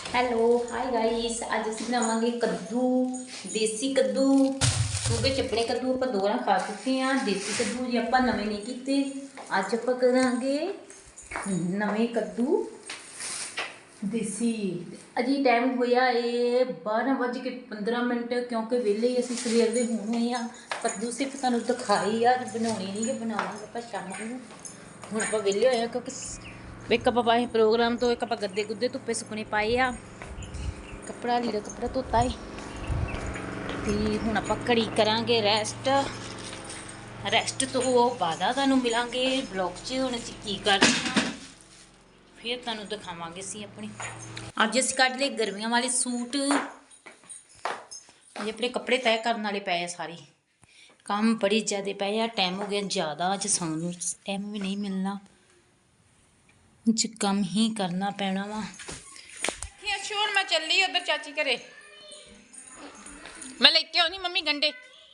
Hello hi guys, ਅੱਜ ਅਸੀਂ ਬਣਾਵਾਂਗੇ ਕੱਦੂ, ਦੇਸੀ ਕੱਦੂ। ਕਿਉਂਕਿ ਚੱਪਣੇ ਕੱਦੂ ਆਪਾਂ ਦੋ ਵਾਰ ਖਾ ਚੁੱਕੇ ਹਾਂ। ਦੇਸੀ ਕੱਦੂ ਜੀ ਆਪਾਂ ਨਵੇਂ ਨਹੀਂ ਕੀਤੇ। ਅੱਜ ਆਪਾਂ ਕਰਾਂਗੇ ਨਵੇਂ ਕੱਦੂ ਦੇਸੀ। ਅਜੀ ਟਾਈਮ ਹੋਇਆ ਏ 12:15 ਕਿਉਂਕਿ ਵਿਹਲੇ ਹੀ ਅਸੀਂ ਸਵੇਰ ਦੇ ਹੁਣ ਹੋਏ ਹਾਂ। ਕੱਦੂ ਸਿਰਫ ਤੁਹਾਨੂੰ ਦਿਖਾਈ ਆ, ਬਣਾਉਣੇ ਨਹੀਂ ਗੇ, ਬਣਾਵਾਂਗੇ ਆਪਾਂ ਸ਼ਾਮ ਨੂੰ। ਹੁਣ ਆਪਾਂ ਵਿਹਲੇ ਹੋਏ ਹਾਂ ਕਿਉਂਕਿ ਇੱਕ ਆਪਾਂ ਪਾਏ ਪ੍ਰੋਗਰਾਮ ਤੋਂ, ਇੱਕ ਆਪਾਂ ਗੱਦੇ ਗੁੱਦੇ ਧੁੱਪੇ ਸੁੱਕਣੇ ਪਾਏ ਆ। ਕੱਪੜਾ ਲੀੜਾ ਕੱਪੜਾ ਧੋਤਾ ਏ ਤੇ ਹੁਣ ਆਪਾਂ ਘੜੀ ਕਰਾਂਗੇ ਰੈਸਟ ਤੋਂ ਬਾਅਦ ਤੁਹਾਨੂੰ ਮਿਲਾਂਗੇ ਬਲੌਗ 'ਚ। ਹੁਣ ਅਸੀਂ ਕੀ ਕਰਦੇ ਹਾਂ ਫਿਰ ਤੁਹਾਨੂੰ ਦਿਖਾਵਾਂਗੇ ਅਸੀਂ ਆਪਣੀ। ਅੱਜ ਅਸੀਂ ਕੱਢ ਲਏ ਗਰਮੀਆਂ ਵਾਲੇ ਸੂਟ। ਅਜੇ ਆਪਣੇ ਕੱਪੜੇ ਤੈਅ ਕਰਨ ਵਾਲੇ ਪਏ ਆ ਸਾਰੇ। ਕੰਮ ਬੜੀ ਜ਼ਿਆਦਾ ਪਏ ਆ, ਟਾਈਮ ਹੋ ਗਿਆ ਜ਼ਿਆਦਾ, ਅੱਜ ਸੌਣ ਨੂੰ ਟਾਈਮ ਵੀ ਨਹੀਂ ਮਿਲਣਾ, ਅੱਜ ਕੰਮ ਹੀ ਕਰਨਾ ਪੈਣਾ ਵਾ। ਹੁਣ ਮੈਂ ਚੱਲੀ ਉਧਰ ਚਾਚੀ ਘਰੇ, ਮੈਂ ਲੈ ਕੇ ਆਉਣੀ ਮੰਮੀ ਗੰਡੇ।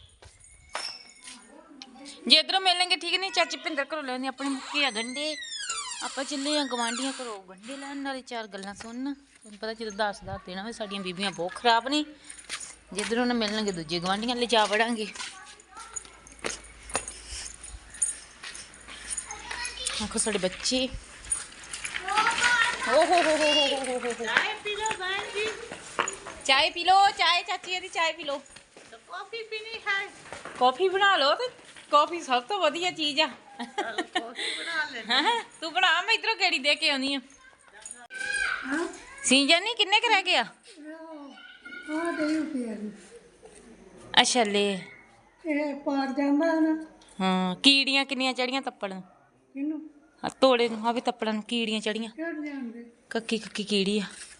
ਜੇ ਇੱਧਰੋਂ ਮਿਲਣਗੇ ਠੀਕ ਨਹੀਂ, ਚਾਚੀ ਭਿੰਦਰ ਘਰੋਂ ਲੈਣੇ ਆਪਣੇ ਮੁੱਕੇ ਆ ਗੰਡੇ। ਆਪਾਂ ਚੱਲੇ ਆ ਗਵਾਂਢੀਆਂ ਘਰੋਂ ਗੰਡੇ ਲੈਣ, ਨਾਲੇ ਚਾਰ ਗੱਲਾਂ ਸੁਣਨ। ਤੁਹਾਨੂੰ ਪਤਾ ਜਦੋਂ 10 ਦੇਣਾ ਹੋਵੇ ਸਾਡੀਆਂ ਬੀਬੀਆਂ ਬਹੁਤ ਖਰਾਬ ਨੇ। ਜਿੱਧਰੋਂ ਨਾ ਮਿਲਣਗੇ ਦੂਜੇ ਗਵਾਂਢੀਆਂ ਲੈ ਜਾ ਵੜਾਂਗੇ। ਆਖੋ ਸਾਡੇ ਬੱਚੇ ਚਾय पी लो, चाय चाची ਇਹਦੀ चाय पी लो। कॉफी पीनी है, कॉफी बना लो। ਤੇ कॉफी ਸਭ ਤੋਂ ਵਧੀਆ ਚੀਜ਼ ਆ। ਤੂੰ ਬਣਾ, ਮੈਂ ਇਧਰੋਂ ਗੇੜੀ ਦੇ ਕੇ ਆਉਣੀ ਆ। ਸੀਜ਼ਨ ਨਹੀਂ ਕਿੰਨੇ ਕੁ ਰਹਿ ਗਏ ਆ? ਅੱਛਾ ਲੈ ਇਹ ਪਾਰ ਜਾਂਦਾ ਨਾ। ਹਾਂ, ਕੀੜੀਆਂ ਕਿੰਨੀਆਂ ਚੜੀਆਂ ਤੱਪੜਾਂ ਇਹਨੂੰ ਤੋੜੇ ਨੂੰ। ਆ ਵੀ ਤੱਪੜਾਂ ਨੂੰ ਕੀੜੀਆਂ ਚੜੀਆਂ। ਚੜ ਜਾਂਦੇ ਕੱਕੀ ਕੱਕੀ ਕੀੜੀ ਆ।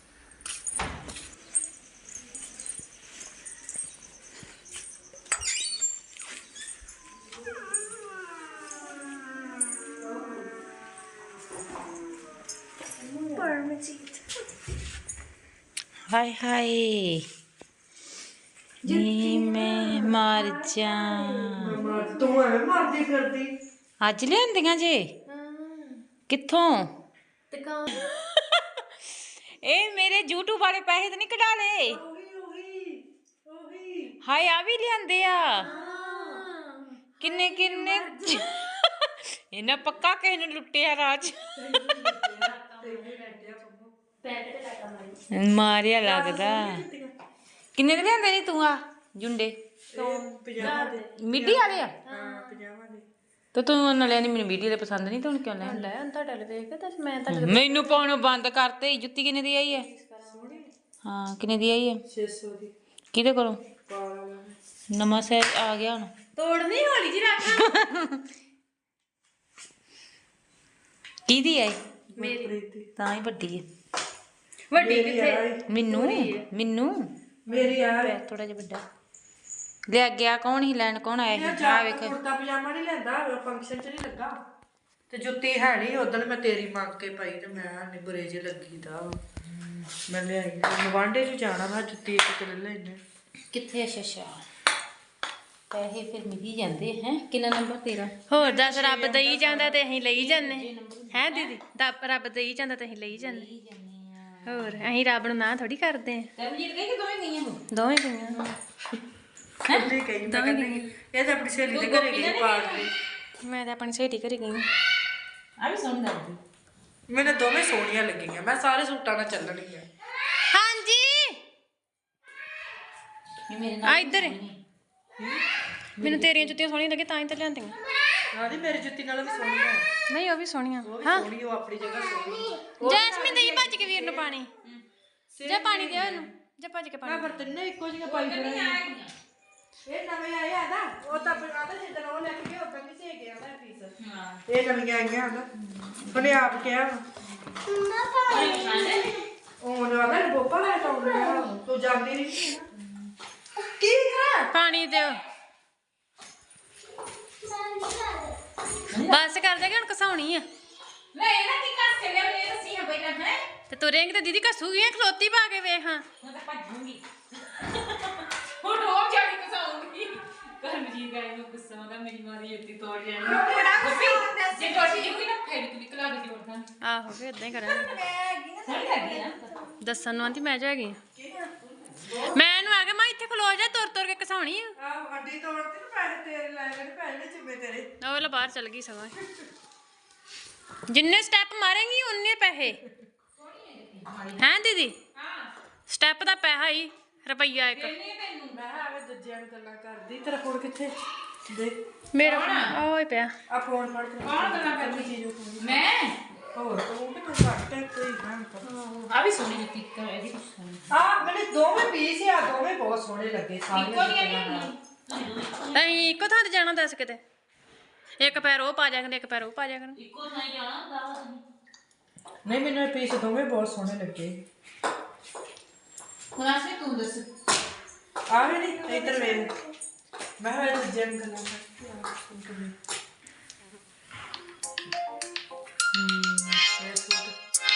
ਹਾਏ ਹਾਏ ਨੀ ਮੈਂ ਮਰ ਜਾ। ਤੂੰ ਐਵੇਂ ਮਰਦੀ ਕਰਦੀ। ਅੱਜ ਲਿਆਂਦੀਆਂ ਜੇ? ਕਿੱਥੋਂ? ਇਹ ਮੇਰੇ YouTube ਵਾਲੇ ਪੈਸੇ ਤਾਂ ਨਹੀਂ ਕਢਾ ਲਏ? ਹਾਏ ਆ ਵੀ ਲਿਆਂਦੇ ਆ। ਕਿੰਨੇ ਕਿੰਨੇ ਇਹਨਾਂ ਪੱਕਾ ਕਿਸੇ ਨੇ ਲੁੱਟਿਆ ਰਾਜ। ਮਾਰਿਆ ਲੱਗਦਾ। ਕਿੰਨੇ ਦੇ ਲਿਆਂਦੇ ਨੀ ਤੂੰ ਆ ਜੁੰਡੇ? ਮਿੱਡੀ ਵਾਲੇ ਆ? ਤੇ ਤੂੰ ਉਹਨਾਂ ਲਿਆ ਨੀ, ਮੈਨੂੰ ਮਿੱਡੀ ਵਾਲੇ ਪਸੰਦ ਨਹੀਂ, ਤੂੰ ਹੁਣ ਕਿਉਂ ਲੈਣ ਲਿਆ? ਮੈਨੂੰ ਪਾਉਣੋਂ ਬੰਦ ਕਰਤੇ। ਜੁੱਤੀ ਕਿੰਨੇ ਦੀ ਆਈ ਹੈ? ਹਾਂ ਕਿੰਨੇ ਦੀ ਆਈ ਹੈ? 600 ਦੀ। ਕਿਹਦੇ ਕੋਲੋਂ? ਨਵਾਂ ਸਾਈਜ਼ ਆ ਗਿਆ ਹੁਣ। ਤੋੜਨੀ ਹੌਲੀ ਜੀ ਰੱਖ। ਕਿਹਦੀ ਆਈ? ਮੇਰੀ ਤਾਂ ਹੀ ਵੱਡੀ ਹੈ। ਵੱਡੀ ਕਿੱਥੇ? ਮੈਨੂੰ ਮੇਰੀ ਆ ਥੋੜਾ ਜਿਹਾ ਵੱਡਾ ਲਿਆ ਗਿਆ। ਕੌਣ ਹੀ ਲੈਣ? ਕੌਣ ਆਇਆ ਸੀ? ਆ ਵੇਖ, ਕੁੜਤਾ ਪਜਾਮਾ ਨਹੀਂ ਲੈਂਦਾ, ਫੰਕਸ਼ਨ 'ਚ ਨਹੀਂ ਲੱਗਾ। ਤੇ ਜੁੱਤੀ ਹੈ ਨਹੀਂ, ਉਦੋਂ ਮੈਂ ਤੇਰੀ ਮੰਗ ਕੇ ਪਾਈ ਤੇ ਮੈਂ ਨਹੀਂ ਬੁਰੇ ਜਿਹੇ ਲੱਗੀ ਦਾ। ਮੈਂ ਲਿਆਈ ਗਵਾਂਢੇ 'ਚ ਜਾਣਾ, ਮੈਂ ਜੁੱਤੀ ਇੱਕ ਤੇ ਲੈ ਲੈਣੇ। ਕਿੱਥੇ? ਅੱਛਾ ਪੈਸੇ ਫਿਰ ਮਿਲ ਹੀ ਜਾਂਦੇ ਹੈ। ਕਿੰਨਾ ਨੰਬਰ ਤੇਰਾ? ਹੋਰ ਦੱਸ, ਰੱਬ ਦੇਈ ਜਾਂਦਾ ਤੇ ਅਸੀਂ ਲਈ ਜਾਂਦੇ ਹੈ ਦੀਦੀ। ਰੱਬ ਦੇਈ ਜਾਂਦਾ ਤੇ ਅਸੀਂ ਲਈ ਜਾਂਦੇ। ਹੋਰ ਅਸੀਂ ਰੱਬ ਨੂੰ ਨਾ ਥੋੜੀ ਕਰਦੇ ਆ। ਤਰਨਜੀਤ ਗਈ ਕਿ ਦੋਵੇਂ ਗਈਆਂ? ਦੋਵੇਂ ਗਈਆਂ। ਕੁੱਤੀ ਕਹੀ ਮੈਂ ਕਹਿੰਦੀ ਇਹ ਤਾਂ ਆਪਣੀ ਸਹੇਲੀ ਦੇ ਘਰੇ ਗਈ ਪਾਰਕ ਤੇ। ਮੈਂ ਤਾਂ ਆਪਣੀ ਸਹੇਲੀ ਘਰੇ ਗਈ। ਆ ਵੀ ਸੋਹਣੀ ਲੱਗਦੀ। ਮੈਨੂੰ ਦੋਵੇਂ ਸੋਹਣੀਆਂ ਲੱਗੀਆਂ। ਮੈਂ ਸਾਰੇ ਸੂਟਾਂ ਨਾਲ ਚੱਲਣੀ ਆ। ਹਾਂਜੀ ਇਹ ਮੇਰੇ ਆ ਨਾਲ ਇੱਧਰ ਮੈਨੂੰ ਤੇਰੀਆਂ ਜੁੱਤੀਆਂ ਸੋਹਣੀਆਂ ਲੱਗੀਆਂ ਤਾਂ ਹੀ ਤਾਂ ਲਿਆਂਦੀਆਂ। ਆਦੀ ਮੇਰੀ ਜੁੱਤੀ ਨਾਲ ਵੀ ਸੋਹਣੀ ਆ। ਨਹੀਂ ਉਹ ਵੀ ਸੋਹਣੀਆਂ। ਹਾਂ ਸੋਹਣੀ, ਉਹ ਆਪਣੀ ਜਗ੍ਹਾ ਸੋਹਣੀ। ਜੈਸਮੀਨ ਦੇ ਭੱਜ ਕੇ ਵੀਰ ਨੂੰ ਪਾਣੀ ਜਾਂ ਪਾਣੀ ਦੇ ਉਹਨੂੰ ਜਾਂ ਭੱਜ ਕੇ ਮੈਂ ਪਾਣੀ। ਫਿਰ ਤਿੰਨੇ ਇੱਕੋ ਜਿਹੀਆਂ ਪਾਈ ਫਿਰਾਂਗੀ। ਇਹ ਨਵੇਂ ਆਏ ਆ ਨਾ, ਉਹ ਤਾਂ ਪਜਾਦਾ ਜਿੱਦਣ ਉਹ ਲੈ ਕੇ ਗਏ ਉਦੋਂ ਨਹੀਂ ਸੇ ਗਿਆ ਨਾ ਪੀਸ। ਹਾਂ ਇਹ ਨਵੀਆਂ ਆਈਆਂ ਨਾ, ਉਹਨੇ ਆਪ ਕਿਹਾ ਉਹਨੇ ਆਦਾ ਬੋਪਾ ਲੈ ਕੇ ਆਉਂਦਾ। ਤੂੰ ਜਾਂਦੀ ਨਹੀਂ ਕੀ ਕਰਾਂ? ਪਾਣੀ ਦਿਓ ਬਸ ਕਰ ਦੇ ਕਿ ਹੁਣ ਘਸਾਉਣੀ ਆ। ਲੈ ਇਹਨਾਂ ਕੀ ਕੱਸ ਚੱਲਿਆ ਮੈਨੂੰ ਦੱਸੀ ਹਾਂ ਪਹਿਲਾਂ ਹੈ। ਤੇ ਤੁਰੇਂਗੇ ਤੇ ਦੀਦੀ ਘਸੂਗੀ। ਖਲੋਤੀ ਪਾ ਕੇ ਵੇਖ। ਹਾਂ ਮੈਂ ਤਾਂ ਭੱਜੂਗੀ। ਹੁਣ ਹੋਰ ਜਾਣੀ ਕਸਾਉਂਗੀ। ਗਰਮ ਜੀ ਗਾਇ ਨੂੰ ਗੁੱਸਾ ਆਉਂਦਾ ਮੇਰੀ ਮਾਂ ਦੀ ਜੁੱਤੀ ਤੋੜ ਜਾਣੀ ਜੇ ਟੁੱਟ ਜੂਗੀ ਨਾ ਫੇਰ ਕਿ ਨਿਕਲਾ ਕੇ ਜੋੜਦਾ ਆਹੋ ਫੇ ਇਦਾਂ ਹੀ ਕਰਾਂਗੇ ਸਹੀ ਲੱਗੀ ਨਾ ਦੱਸਣ ਨੂੰ ਆਂਦੀ ਮੈਂ ਜੋ ਹੈਗੀ ਆ। ਮੈਂ ਇਹਨੂੰ ਆ ਗਿਆ ਮੈਂ ਇੱਥੇ ਖਲੋ ਜਾ ਤੁਰ ਤੁਰ ਕੇ ਕਸਾਉਣੀ ਆ ਆਹ ਹੱਡੀ ਤੋੜਤੀ ਨਾ ਪੈਸੇ ਤੇਰੇ ਲੈ ਗਏ ਪੈਸੇ ਨੇ ਚਿੰਮੇ ਤੇਰੇ ਉਹ ਲੈ ਬਾਹਰ ਚਲ ਗਈ ਸਗੋਂ ਜਿੰਨੇ ਸਟੈਪ ਮਾਰੇਂਗੀ ਉਨੇ ਪੈਸੇ ਹੈਂ ਦੀਦੀ ਸਟੈਪ ਦਾ ਪੈਸਾ ਹੀ ਰੁਪਈਆ ਇੱਕ ਮੈਂ ਆਵੇ ਦੂਜਿਆਂ ਨੂੰ ਗੱਲਾਂ ਕਰਦੀ ਤੇਰਾ ਫੋਨ ਕਿੱਥੇ ਦੇ ਮੇਰਾ ਓਏ ਪਿਆ ਆ ਫੋਨ ਫੜ ਕੇ ਕੌਣ ਗੱਲਾਂ ਕਰਦੀ ਚੀਜ਼ ਮੈਂ ਹੋਰ ਤੂੰ ਕਿ ਤੂੰ ਘੱਟ ਹੈ ਕੋਈ ਕੰਮ ਆ ਵੀ ਸੋਹਣੀ ਜੁੱਤੀ ਕਰ ਇਹਦੀ ਕੁਛ ਸੋਹਣੀ ਆ ਮੈਨੂੰ ਦੋਵੇਂ ਪੀਸ ਆ ਦੋਵੇਂ ਬਹੁਤ ਸੋਹਣੇ ਲੱਗੇ ਇੱਕੋ ਸਾਰੇ ਨਹੀਂ ਅਸੀਂ ਇੱਕੋ ਥਾਂ ਤੇ ਜਾਣਾ ਦੱਸ ਕਿਤੇ ਇੱਕ ਪੈਰ ਉਹ ਪਾ ਜਾ ਕਰ ਇੱਕ ਪੈਰ ਉਹ ਪਾ ਜਾ ਕਰ ਇੱਕੋ ਥਾਂ ਹੀ ਜਾਣਾ ਹੁੰਦਾ ਨਹੀਂ ਮੈਨੂੰ ਇਹ ਪੀਸ ਦੋਵੇਂ ਬਹੁਤ ਸੋਹਣੇ ਲੱਗੇ ਹੁਣ ਆਸੇ ਤੂੰ ਦੱਸ ਆ ਵੀ ਨਹੀਂ ਇੱਧਰ ਵੇਖ ਮੈਂ ਹਾਂ ਦੂਜਿਆਂ ਨੂੰ ਗੱਲਾਂ ਕਰਦੀ ਆ ਇਹ ਸੂਟ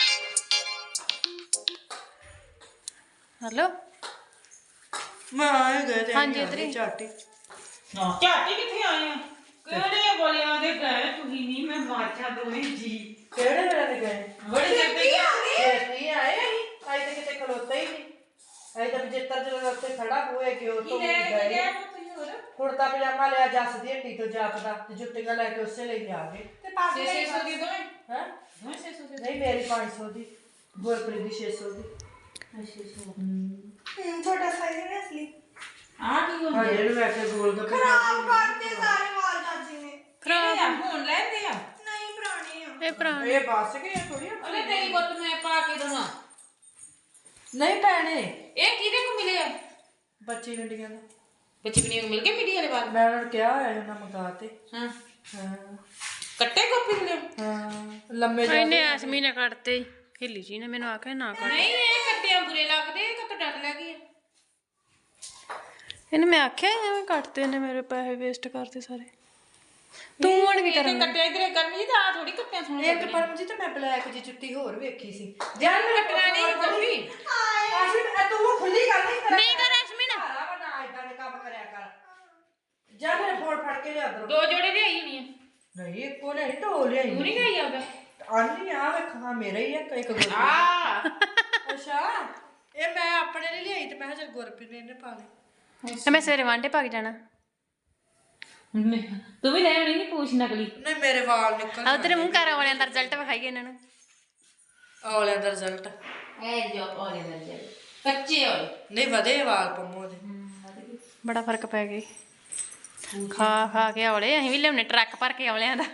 ਹੈਲੋ ਮੈਂ ਆਏ ਗਏ ਤੇ ਹਾਂਜੀ, ਇੱਧਰ ਹੀ। ਝਾਟੀ ਨਾ ਝਾਟੀ ਕਿੱਥੇ ਆਏ ਆ ਕਿਹੜੇ ਬੋਲਿਆਂ ਦੇ ਗਏ ਤੁਸੀਂ ਨਹੀਂ ਮੈਂ ਮਾਰਚਾ ਦੋਵੇਂ ਜੀ ਕਿਹੜੇ ਵੇਲੇ ਤੇ ਗਏ ਬੜੇ ਜੱਪੀ ਆ ਛੇਤੀ ਆਏ ਅਸੀਂ ਅੱਜ ਤੇ ਕਿਤੇ ਖਲੋਤੇ ਹੀ ਨਹੀਂ ਅੱਜ ਤਾਂ ਜਿੱਤਰ ਜਦੋਂ ਉੱਤੇ ਖੜਾ ਹੋਏ ਕਿ ਉਹ ਤੋਂ ਗਏ ਕੁੜਤਾ ਪਜਾਮਾ ਲਿਆ ਜੱਸ ਦੀ ਹੱਟੀ ਤੋਂ ਜਾਪਦਾ ਤੇ ਜੁੱਤੀਆਂ ਲੈ ਕੇ ਉਸੇ ਲਈ ਆ ਗਏ ਤੇ ਪਾ ਕੇ 600 ਦੇ ਦੋਵੇਂ ਹੈ ਦੋਵੇਂ 600 ਦੇ ਨਹੀਂ ਮੇਰੀ 500 ਦੀ ਗੁਰਪ੍ਰੀਤ ਦੀ 600 ਦੀ ਛੋਟਾ ਸਾਈਜ਼ ਹੈ ਅਸਲੀ ਆ ਕੀ ਹੋ ਹਾਂ ਗਿਆ ਇਹਨੂੰ ਮੈਂ ਕੇ ਗੋਲ ਗੱਪੇ ਖਰਾਬ ਕਰਤੇ ਸਾਰੇ ਵਾਲ ਚਾਚੀ ਨੇ ਕਿਹੜੇ ਆ ਹੁਣ ਲੈਂਦੇ ਆ ਨਹੀਂ ਪੁਰਾਣੇ ਆ ਇਹ ਭਰਾ ਇਹ ਬਸ ਗਏ ਥੋੜੀ ਅਲੇ ਤੇਰੀ ਗੁੱਤ ਮੈਂ ਪਾ ਕੇ ਦਵਾਂ ਨਹੀਂ ਪੈਣੇ ਇਹ ਕਿਹਦੇ ਕੋ ਮਿਲੇ ਆ ਬੱਚੀ ਗੰਡੀਆਂ ਦਾ ਬੱਚੀ ਬਣੀ ਮਿਲ ਗਏ ਮੀਡੀਆ ਵਾਲੇ ਬਾਅਦ ਮੈਂ ਉਹਨਾਂ ਨੂੰ ਕਿਹਾ ਹੋਇਆ ਉਹਨਾਂ ਮੰਗਾ ਤੇ ਹਾਂ ਹਾਂ ਕੱਟੇ ਕਾਪੀ ਦੇ ਹਾਂ ਲੰਮੇ ਇਹਨੇ ਐਸਮੀ ਨੇ ਕੱਟਤੇ ਹਿੱਲੀ ਜੀ ਨੇ ਮੈਨੂੰ ਆਖਿਆ ਨਾ ਕੱਟ ਨਹੀਂ ਇਹ ਕੱਟਿਆਂ ਬੁਰੇ ਲੱਗਦੇ ਇਹ ਤਾਂ ਡਰ ਲੱਗੀ ਇਹਨੇ ਮੈਂ ਆਖਿਆ ਐਵੇਂ ਕੱਟਤੇ ਨੇ ਮੇਰੇ ਪੈਸੇ ਵੇਸਟ ਕਰਤੇ ਸਾਰੇ ਤੂੰ ਹੁਣ ਕੀ ਤੇ ਕੱਟਿਆ ਇਧਰੇ ਗਰਮੀ ਤਾਂ ਆ ਥੋੜੀ ਕੱਟਿਆਂ ਸੋਹਣੇ ਇੱਕ ਪਰਮਜੀਤ ਤੇ ਮੈਂ ਬਲੈਕ ਜੀ ਜੁੱਤੀ ਹੋਰ ਵੇਖੀ ਸੀ ਜਾਨ ਕੱਟਣਾ ਨਹੀਂ ਕਾਪੀ ਆਸ਼ਿਮ ਤੂੰ ਖੁੱਲੀ ਕਰ ਨਹੀਂ ਕਰ ਐਸਮੀ ਨਾ ਸਾਰਾ ਬਣਾ ਇਦਾਂ ਦੇ ਕੰਮ ਕਰਿਆ ਕਰ ਜਾ ਮੇਰੇ ਫੋਨ ਫੜ ਕੇ ਲਿਆ ਦਰ ਦੋ ਜੋੜੇ ਲਿਆਈ ਹੋਣੀ ਆ ਨਹੀਂ ਇੱਕੋ ਲਿਆਈ ਢੋ ਲਿਆਈ ਤੂੰ ਨਹੀਂ ਗਈ ਆਗਾ ਆਨੀ ਆ ਵੇਖਾਂ ਮੇਰਾ ਹੀ ਆ ਇੱਕ ਗੁਰਪ੍ਰੀਤ ਆ ਅੱਛਾ ਇਹ ਮੈਂ ਆਪਣੇ ਲਈ ਲਿਆਈ ਤੇ ਮੈਂ ਕਿਹਾ ਚਲ ਗੁਰਪ੍ਰੀਤ ਨੇ ਇਹਨੇ ਪਾ ਲਈ ਤੇ ਮੈਂ ਸਵੇਰੇ ਵਾਂਡੇ ਪਾ ਕੇ ਜਾਣਾ ਤੂੰ ਵੀ ਲੈ ਆਉਣੀ ਨਹੀਂ ਪੂਛ ਨਕਲੀ ਨਹੀਂ ਮੇਰੇ ਵਾਲ ਨਿਕਲ ਆ ਤੇਰੇ ਮੂੰਹ ਘਰ ਵਾਲਿਆਂ ਦਾ ਰਿਜ਼ਲਟ ਵਿਖਾਈਏ ਇਹਨਾਂ ਨੂੰ ਔਲਿਆਂ ਦਾ ਰਿਜ਼ਲਟ ਐ ਜੋ ਔਲੇ ਦਾ ਜੇ ਕੱਚੇ ਔਲੇ ਨਹੀਂ ਵਧੇ ਵਾਲ ਪੰਮੋ ਦੇ ਬੜਾ ਫਰਕ ਪੈ ਗਿਆ ਖਾ ਖਾ ਕੇ ਔਲੇ ਅਸੀਂ ਵੀ ਲਿਆਉਣੇ ਟਰੱਕ ਭਰ ਕੇ ਔਲਿਆਂ ਦਾ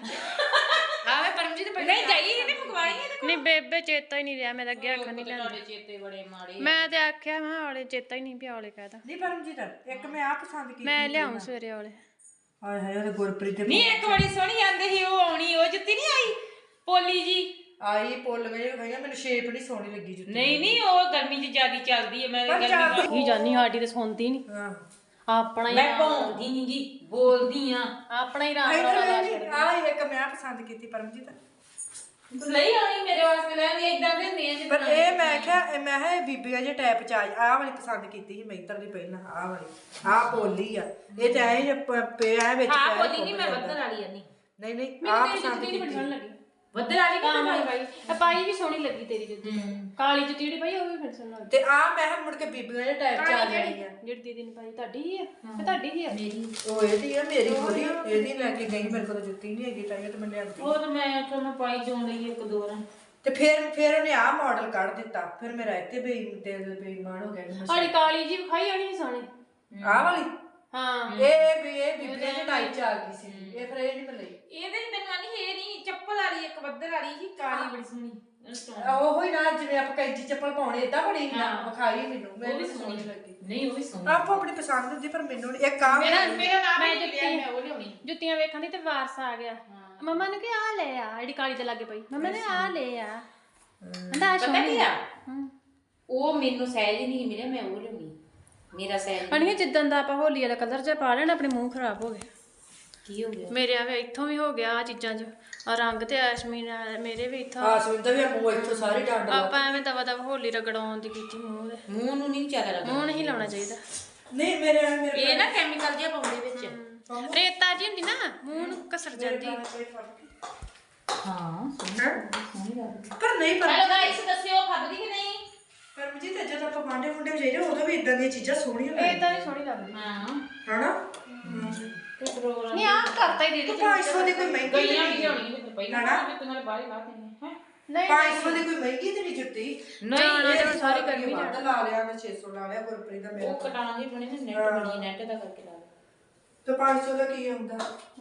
ਆਵੇ ਪਰਮਜੀਤ ਨਹੀਂ ਜਾਈ ਇਹਨੇ ਮੰਗਵਾਈ ਇਹਦੇ ਨਹੀਂ ਬੇਬੇ ਚੇਤਾ ਹੀ ਨਹੀਂ ਰਿਹਾ ਮੈਂ ਤਾਂ ਅੱਗੇ ਆਖਣ ਨਹੀਂ ਲੈਂਦਾ ਤੁਹਾਡੇ ਚੇਤੇ ਬੜੇ ਮਾੜੇ ਮੈਂ ਤੇ ਆਖਿਆ ਮੈਂ ਔਲੇ ਚੇਤਾ ਹੀ ਨਹੀਂ ਪਿਆ ਔਲੇ ਕਹਿਦਾ ਨਹੀਂ ਪਰਮਜੀਤ ਇੱਕ ਮੈਂ ਆ ਪਸੰਦ ਕੀਤੀ ਮੈਂ ਲਿਆਉਂ ਸਵੇਰੇ ਔਲੇ ਹਾਏ ਹਾਏ ਉਹ ਗੁਰਪ੍ਰੀਤ ਦੇ ਨਹੀਂ ਇੱਕ ਬੜੀ ਸੋਹਣੀ ਆਂਦੇ ਸੀ ਉਹ ਆਉਣੀ ਉਹ ਜੁੱਤੀ ਨਹੀਂ ਆਈ ਪੋਲੀ ਜੀ ਆਈ ਪੁੱਲ ਮੇਰੇ ਖਾਈਆਂ ਮੈਨੂੰ ਸ਼ੇਪ ਨਹੀਂ ਸੋਹਣੀ ਲੱਗੀ ਜੁੱਤੀ ਨਹੀਂ ਨਹੀਂ ਉਹ ਗਰਮੀ 'ਚ ਜ਼ਿਆਦੀ ਚੱਲਦੀ ਹੈ ਮੈਂ ਗਰਮੀ ਕੀ ਜਾਨੀ ਸਾਡੀ ਤੇ ਸੁਣਦੀ ਨਹੀਂ ਹਾਂ ਆਪਣਾ ਹੀ ਮੈਂ ਭੌਂਦੀ ਨਹੀਂ ਜੀ ਬੋਲਦੀ ਆ ਆਪਣਾ ਹੀ ਰਾਮ ਆ ਇੱਕ ਮੈਂ ਪਸੰਦ ਕੀਤੀ ਪਰਮਜੀਤ ਤੂੰ ਲਈ ਆਉਣੀ ਮੇਰੇ ਵਾਸਤੇ ਲੈਣੀ ਇਦਾਂ ਦੇ ਹੁੰਦੇ ਆ ਪਰ ਇਹ ਮੈਂ ਕਿਹਾ ਮੈਂ ਕਿਹਾ ਇਹ ਬੀਬੀਆਂ ਜੇ ਟਾਈਪ ਚ ਆਹ ਵਾਲੀ ਪਸੰਦ ਕੀਤੀ ਸੀ ਮੈਤਰ ਦੀ ਪਹਿਲਾਂ ਆਹ ਵਾਲੀ ਆਹ ਪੋਲੀ ਆ ਇਹ ਤੇ ਐ ਪਿਆ ਵਿੱਚ ਹਾਂ ਪੈਰ ਬੋਲੀ ਨਹੀਂ ਮੈਂ ਬੱਦਲ ਵਾਲੀ ਆ ਨਹੀਂ ਨਹੀਂ ਨਹੀਂ ਆਹ ਪਸੰਦ ਬੜੀ ਕੀਤੀ ਸੋਹਣੀ ਲੱਗੀ ਬੱਦਲ ਵਾਲੀ ਤਾਂ ਕਿੱਦਾਂ ਮੈਂ ਪਾਈ ਇਹ ਪਾਈ ਵੀ ਸੋਹਣੀ ਲੱਗੀ ਤੇਰੀ ਜੁੱਤੀ ਕਾਲੀ ਜੁੱਤੀ ਜਿਹੜੀ ਪਾਈ ਉਹ ਵੀ ਫਿਰ ਸੋਹਣੀ ਲੱਗੀ ਤੇ ਆ ਮੈਂ ਕਿਹਾ ਮੁੜ ਕੇ ਬੀਬੀਆਂ ਜੇ ਟਾਈਪ ਚ ਆ ਜਾਣੀ ਆ ਜਿਹੜੀ ਦੀਦੀ ਨੇ ਪਾਈ ਤੁਹਾਡੀ ਹੀ ਆ ਤੇ ਤੁਹਾਡੀ ਹੀ ਆ ਮੇਰੀ ਉਹ ਇਹਦੀ ਆ ਮੇਰੀ ਥੋੜੀ ਇਹਦੀ ਲੈ ਕੇ ਗਈ ਮੇਰੇ ਕੋਲ ਜੁੱਤੀ ਨਹੀਂ ਹੈਗੀ ਤਾਂ ਇਹ ਤੇ ਮੈਂ ਲਿਆਂਦੀ ਉਹ ਤਾਂ ਮੈਂ ਤੁਹਾਨੂੰ ਪਾਈ ਜਾਣ ਲਈ ਇੱਕ ਦੋ ਰਾਂ ਤੇ ਫਿਰ ਉਹਨੇ ਆਹ ਮਾਡਲ ਕੱਢ ਦਿੱਤਾ ਫਿਰ ਮੇਰਾ ਇੱਥੇ ਬੇਈਮਾਨ ਹੋ ਗਿਆ ਕਿ ਮੈਂ ਸਾਡੀ ਕਾਲੀ ਜੀ ਵਿਖਾਈ ਆਣੀ ਸੀ ਸੋਹਣੀ ਆਹ ਵਾਲੀ ਹਾਂ ਇਹ ਬੀਬੀਆਂ ਦੇ ਟਾਈਪ ਚ ਆ ਗਈ ਸੀ ਇਹ ਫਿਰ ਇਹ ਨਹੀਂ ਮਿਲੀ ਇਹਦੇ ਚ ਮੈਨੂੰ ਆਨੀ ਇਹ ਨਹੀਂ ਚੱਪਲ ਵਾਲੀ ਇੱਕ ਬੱਦਲ ਵਾਲੀ ਸੀ ਕਾਲੀ ਬੜੀ ਸੋਹਣੀ ਉਹ ਹੀ ਨਾ ਜਿਵੇਂ ਆਪਾਂ ਕੈਂਚੀ ਚੱਪਲ ਪਾਉਣੇ ਏਦਾਂ ਬਣੀ ਨਾ ਵਿਖਾਈ ਮੈਨੂੰ ਮੈਨੂੰ ਵੀ ਸੋਹਣੀ ਲੱਗੀ ਨਹੀਂ ਉਹ ਵੀ ਸੋਹਣੀ ਆਪੋ ਆਪਣੀ ਪਸੰਦ ਹੁੰਦੀ ਪਰ ਮੈਨੂੰ ਨੀ- ਇੱਕ ਆ ਮੇਰਾ ਨਾਮ ਮੈਂ ਹੀ ਲਿਆ ਮੈਂ ਉਹ ਲਿਆਉਣੀ ਜੁੱਤੀਆਂ ਵੇਖਣ ਦੀ ਤੇ ਵਾਰਸ ਆ ਗਿਆ ਮੰਮਾ ਨੇ ਕਿ ਆ ਲੈ ਆ ਜਿਹੜੀ ਕਾਲੀ ਤੇ ਲੱਗੇ ਪਈ ਮੰਮਾ ਨੇ ਆ ਲੈ ਆ ਕਹਿੰਦਾ ਆ ਪਤਾ ਸੋਹਣੀ ਕੀ ਆ ਉਹ ਮੈਨੂੰ ਸਹਿਜ ਹੀ ਨਹੀਂ ਮਿਲਿਆ ਮੈਂ ਉਹ ਲਿਆਉਣੀ ਮੇਰਾ ਸਹਿਜ ਅਣੀਏ ਜਿੱਦਾਂ ਦਾ ਆਪਾਂ ਹੋਲੀ ਵਾਲਾ ਕਲਰ ਜਿਹਾ ਪਾ ਲੈਣਾ ਆਪਣੇ ਮੂੰਹ ਖਰਾਬ ਹੋ ਗਿਆ ਕੀ ਹੋ ਗਿਆ ਮੇਰੇ ਆਵੇ ਇੱਥੋਂ ਵੀ ਹੋ ਗਿਆ ਆ ਚੀਜ਼ਾਂ 'ਚ ਆ ਰੰਗ ਤੇ ਐਸ਼ਮੀਨ ਮੇਰੇ ਵੀ ਇੱਥੋਂ ਆ ਸੁਣਦਾ ਵੀ ਮੂੰਹ ਇੱਥੋਂ ਸਾਰੀ ਡੰਡ ਆਪਾਂ ਐਵੇਂ ਦਵਾ ਦਵਾ ਹੋਲੀ ਰਗੜਾਉਣ ਦੀ ਕੀਤੀ ਮੂੰਹ ਦੇ ਮੂੰਹ ਨੂੰ ਨਹੀਂ ਚਾਰਾ ਲੱਗਦਾ ਮੂੰਹ ਨਹੀਂ ਲਾਉਣਾ ਚਾਹੀਦਾ ਨਹੀਂ ਮੇਰੇ ਇਹ ਨਾ ਕੈਮੀਕਲ ਜਿਹਾ ਪਾਉਂਦੇ ਵਿੱਚ ਰੇਤਾ ਜੀ ਹੁੰਦੀ ਨਾ ਮੂੰਹ ਨੂੰ ਕਸਰ ਜਾਂਦੀ ਹਾਂ ਸੋਹਣੀ ਲੱਗਦੀ। ਪਰ ਨਹੀਂ ਪਰ ਹੈਲੋ ਗਾਇਸ ਦੱਸਿਓ ਫੱਬਦੀ ਕਿ ਨਹੀਂ? ਪਰਮਜੀਤ ਜਦੋਂ ਆਪਾਂ ਵਾਂਡੇ ਮੁੰਡੇ ਜਾਈਏ ਉਦੋਂ ਵੀ ਇਦਾਂ ਦੀਆਂ ਚੀਜ਼ਾਂ ਸੋਹਣੀਆਂ ਲੱਗਦੀਆਂ ਇਦਾਂ ਹੀ ਸੋਹਣੀ ਲੱਗਦੀ ਹਾਂ ਹਨਾ ਤੇ ਪ੍ਰੋਗਰਾਮ ਨਹੀਂ ਆ ਕਰਤਾ ਹੀ ਦੀਦੀ 500 ਦੀ ਕੋਈ ਮਹਿੰਗੀ ਗਈਆਂ ਨਹੀਂ ਵੀ ਲਿਆਉਣੀ ਤੇ ਪਹਿਲਾਂ ਹਨਾ? ਤੇ ਨਾਲ ਬਾਹਰ ਲਾ ਦੇਣੀ ਹੈ ਨਹੀਂ 500 ਦੀ ਕੋਈ ਮਹਿੰਗੀ ਤੇ ਨਹੀਂ ਜੁੱਤੀ ਜਾਣਾ ਇਹ ਤੇ ਹੁਣ ਸਾਰੀ ਗਰਮੀ ਵੱਧ ਜਾਣਾ ਲਾ ਲਿਆ ਮੈਂ 600 ਲਾ ਲਿਆ ਗੁਰਪ੍ਰੀਤ ਦਾ ਮੇਰਾ ਉਹ ਕਟਾਉਣੀ ਬਣੀ ਨਾ ਨੈਟ ਬਣੀ ਨੈਟ ਦਾ ਕਰਕੇ ਲਾ ਦੇ ਤੇ 500 ਦਾ ਕੀ ਆਉਂਦਾ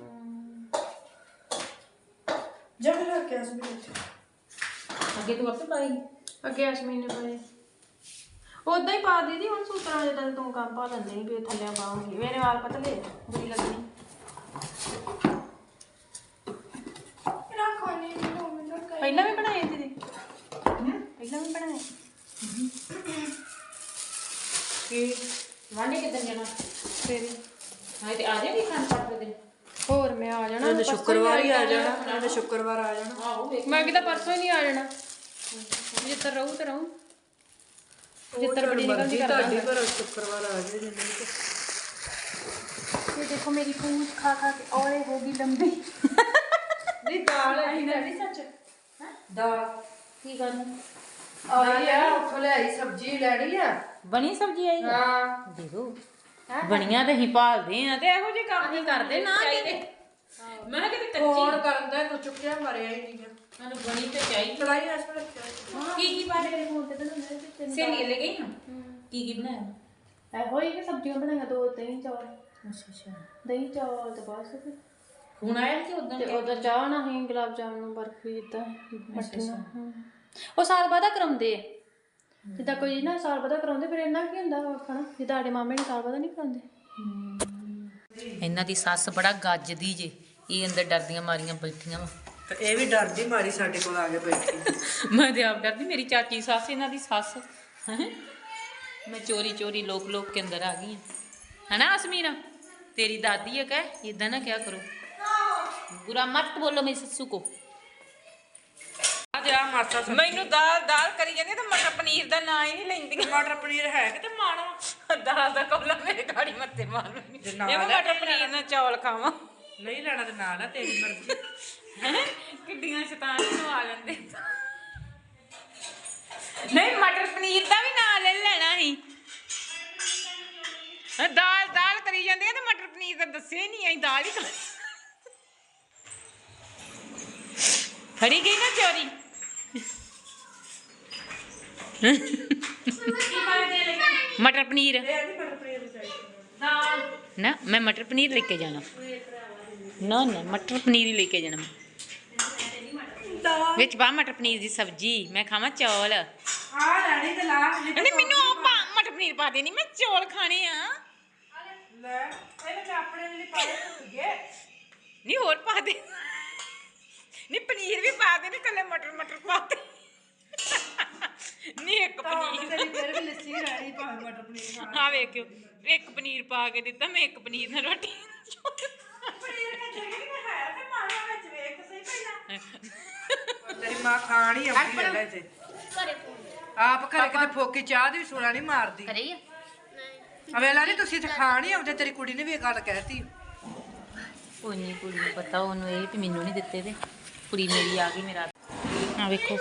ਜਦ ਰੱਖ ਕੇ ਅਸਮੀ ਅੱਗੇ ਤੂੰ ਆਪੇ ਪਾਈ ਅੱਗੇ ਅਸ਼ਮੀ ਨੇ ਪਾਏ ਉਦਾਂ ਹੀ ਪਾ ਦੀਦੀ ਹੁਣ ਸੂਤਰਾਂ ਜਦੋਂ ਤੂੰ ਕੰਮ ਪਾ ਲੈਂਦੇ ਨਹੀਂ ਵੀ ਥੱਲੇ ਪਾਉਂਗੀ ਮੇਰੇ ਵਾਲ ਪਤਲੇ ਬੁਰੀ ਲੱਗਣੀ ਰੱਖੋ ਨਹੀਂ ਮੈਨੂੰ ਕਹੀ ਪਹਿਲਾਂ ਵੀ ਬਣਾਏ ਦੀਦੀ ਪਹਿਲਾਂ ਵੀ ਬਣਾਏ ਕਿ ਵਾਂਡੇ ਕਿਦਾਂ ਜਾਣਾ ਫਿਰ ਹਾਂ ਤੇ ਆ ਜਾਏਗੀ ਖਾਣ ਪਾਟ ਦੇ ਦਿਨ ਹੋਰ ਮੈਂ ਆ ਜਾਣਾ ਉਹਨੇ ਸ਼ੁੱਕਰਵਾਰ ਹੀ ਆ ਜਾਣਾ ਉਹਨੇ ਸ਼ੁੱਕਰਵਾਰ ਆ ਜਾਣਾ ਆਹੋ ਵੇਖ ਮੈਂ ਕਿਤਾ ਪਰਸੋਂ ਹੀ ਨਹੀਂ ਆ ਜਾਣਾ ਜਿੱਤਰ ਰਹੂ ਤੇ ਰਹੂ ਜਿੱਤਰ ਬੜੀ ਨਿਕਲਦੀ ਕਰਦਾ ਤੁਹਾਡੀ ਪਰ ਸ਼ੁੱਕਰਵਾਰ ਆ ਜਾਏ ਜਿੰਨੇ ਤੇ ये देखो मेरी पूंछ खा खा के और होगी लंबी ਨਹੀਂ ਦਾਲ ਹੈ ਨਹੀਂ ਸੱਚ ਦਾਲ ਕੀ ਕਰਨਾ ਆਈ ਆ ਉੱਥੋਂ ਲਿਆਈ ਸਬਜ਼ੀ ਲੈਣੀ ਆ ਬਣੀ ਸਬਜ਼ੀ ਆਈ ਹਾਂ ਦੇਖੋ ਬਣੀਆਂ ਤੇ ਹੀ ਭਾਲਦੇ ਆ ਤੇ ਇਹੋ ਜਿਹੇ ਕੰਮ ਅਸੀਂ ਕਰਦੇ ਨਾ ਚਾਹੀਦੇ ਮੈਂ ਕਿਤੇ ਕੱਚੀ ਫੋਨ ਕਰਨ ਦਾ ਤੂੰ ਚੁੱਕਿਆ ਮਰਿਆ ਹੀ ਨਹੀਂ ਮੈਨੂੰ ਬਣੀ ਤੇ ਚਾਹੀਦੀ ਚੜਾਈ ਐਸ ਵੇਲੇ ਰੱਖਿਆ ਕੀ ਪਾ ਦੇ ਫੋਨ ਤੇ ਤਾਂ ਸਹੇਲੀ ਲੈ ਗਈ ਹਾਂ ਕੀ ਬਣਾਇਆ ਇਹੋ ਹੀ ਕਿ ਸਬਜ਼ੀਆਂ ਬਣਾਈਆਂ ਦੋ ਦਹੀਂ ਚੌਲ ਅੱਛਾ ਅੱਛਾ ਦਹੀਂ ਚੌਲ ਤੇ ਬਸ ਫਿਰ ਹੁਣ ਆਇਆ ਕਿ ਉਦੋਂ ਤੇ ਉਹਦਾ ਚਾਹ ਨਾ ਹੀ ਗੁਲਾਬ ਜਾਮਨ ਬਰਫੀ ਇਦਾਂ ਮੱਠੀਆਂ ਉਹ ਸਾਲ ਬਾਅਦ ਕਰਾਉਂਦੇ ਆ ਜਿੱਦਾਂ ਕੋਈ ਨਾ ਸਾਲ ਬਾਅਦ ਕਰਾਉਂਦੇ ਫਿਰ ਇੰਨਾ ਕੀ ਹੁੰਦਾ ਖਾਣਾ ਜਿੱਦਾਂ ਸਾਡੇ ਮਾਮੇ ਨੇ ਸਾਲ ਬਾਅਦ ਨਹੀਂ ਕਰਾਉਂਦੇ ਇਹਨਾਂ ਦੀ ਸੱਸ ਬੜਾ ਗੱਜਦੀ ਜੇ ਇਹ ਅੰਦਰ ਡਰਦੀਆਂ ਮਾਰੀਆਂ ਬੈਠੀਆਂ ਵਾ ਤੇ ਇਹ ਵੀ ਡਰਦੀ ਮਾਰੀ ਸਾਡੇ ਕੋਲ ਆ ਕੇ ਬੈਠੀ ਮੈਂ ਤੇ ਆਪ ਡਰਦੀ ਮੇਰੀ ਚਾਚੀ ਸੱਸ ਇਹਨਾਂ ਦੀ ਸੱਸ ਹੈਂ। ਮੈਂ ਚੋਰੀ ਚੋਰੀ ਲੋਕ ਲੋਕ ਕੇ ਅੰਦਰ ਆ ਗਈ ਹੈ ਨਾ ਅਸਮੀਨਾ तेरी दादी है क्या इधर ना क्या करो बुरा मत बोलो मेरी ससु को ਆ ਮਾਸਾ ਮੈਨੂੰ ਦਾਲ ਕਰੀ ਜਾਂਦੀ ਤੇ ਮਟਰ ਪਨੀਰ ਦਾ ਨਾਂ ਹੀ ਨਹੀਂ ਲੈਂਦੀ ਮਟਰ ਪਨੀਰ ਹੈ ਕਿਤੇ ਮਾਣਾ ਦਾਲ ਦਾ ਕੋਲਾ ਮੇਰੇ ਗਾੜੀ ਮੱਤੇ ਮਾਰ ਲੈਂਦੀ ਜੇ ਇਹ ਨਾਲ ਮੈਂ ਮਟਰ ਪਨੀਰ ਨਾਲ ਚੌਲ ਖਾਵਾਂ ਨਹੀਂ ਲੈਣਾ ਤੇ ਨਾਲ ਆ ਤੇਰੀ ਮਰਜ਼ੀ ਕਿੱਡੀਆਂ ਸ਼ੈਤਾਨ ਨੂੰ ਆ ਲੈਂਦੇ ਨਹੀਂ ਮਟਰ ਪਨੀਰ ਦਾ ਵੀ ਨਾਂ ਲੈ ਲੈਣਾ ਸੀ ਦਾਲ ਕਰੀ ਜਾਂਦੀ ਤੇ ਮਟਰ ਪਨੀਰ ਦਾ ਦੱਸਿਆ ਹੀ ਨਹੀਂ ਅਸੀਂ ਦਾਲ ਹੀ ਫੜੀ ਗਈ ਨਾ ਚੋਰੀ मटर पनीर ना मैं मटर पनीर लेके जाना ना ना मटर पनीर ही लेके जाना विच पा मटर पनीर की सब्जी मैं खावा चौल ਆ ਲੈਣੀ ਤੇ ਲਾ नहीं मैनू मटर पनीर पा देनी मैं चौल खाने आ ਲੈ ਇਹਨੇ ਤੇ ਆਪਣੇ ਲਈ ਪਾਏ ਤੁਗੇ नहीं और पा दे नहीं पनीर भी पा दे नहीं कल मटर पा दे नहीं एक पनीर ਤੇਰੀ ਫਿਰ ਵੀ ਲੱਸੀ ਰਹਿਣੀ ਭਾਵੇਂ ਮਟਰ ਪਨੀਰ ਖਾ हाँ वेख्यो एक पनीर पा के दिता मैं एक पनीर ना रोटी ਪਨੀਰ ਕੇ ਜਗੀ ਨਾ ਹੈ ਤੇ ਮਾਣਾ ਵਿੱਚ ਵੇਖ ਸਹੀ ਪਹਿਲਾਂ ਤੇਰੀ ਮਾਂ ਖਾਣ ਹੀ ਆਉਂਦੀ ਹੈ ਲੈ ਤੇ ਆਪ ਘਰੇ ਕਿਤੇ ਫੋਕੀ ਚਾਹ ਦੀ ਵੀ ਸੁਣਾ ਨਹੀਂ ਮਾਰਦੀ अरे ਅਵੇਲਾ ਨਹੀਂ ਤੁਸੀਂ ਤੇ ਖਾਣ ਹੀ ਆਉਂਦੇ ਤੇਰੀ ਕੁੜੀ ਨੇ ਵੀ ਇਹ ਗੱਲ ਕਹਿਤੀ ਕੋਈ ਨਹੀਂ ਕੁੜੀ ਨੂੰ ਪਤਾ ਉਹਨੂੰ ਇਹ ਵੀ ਮੈਨੂੰ ਨਹੀਂ ਦਿੱਤੇ ਤੇ ਕੁੜੀ ਮੇਰੀ ਆ ਗਈ ਮੇਰਾ ਆ ਵੇਖੋ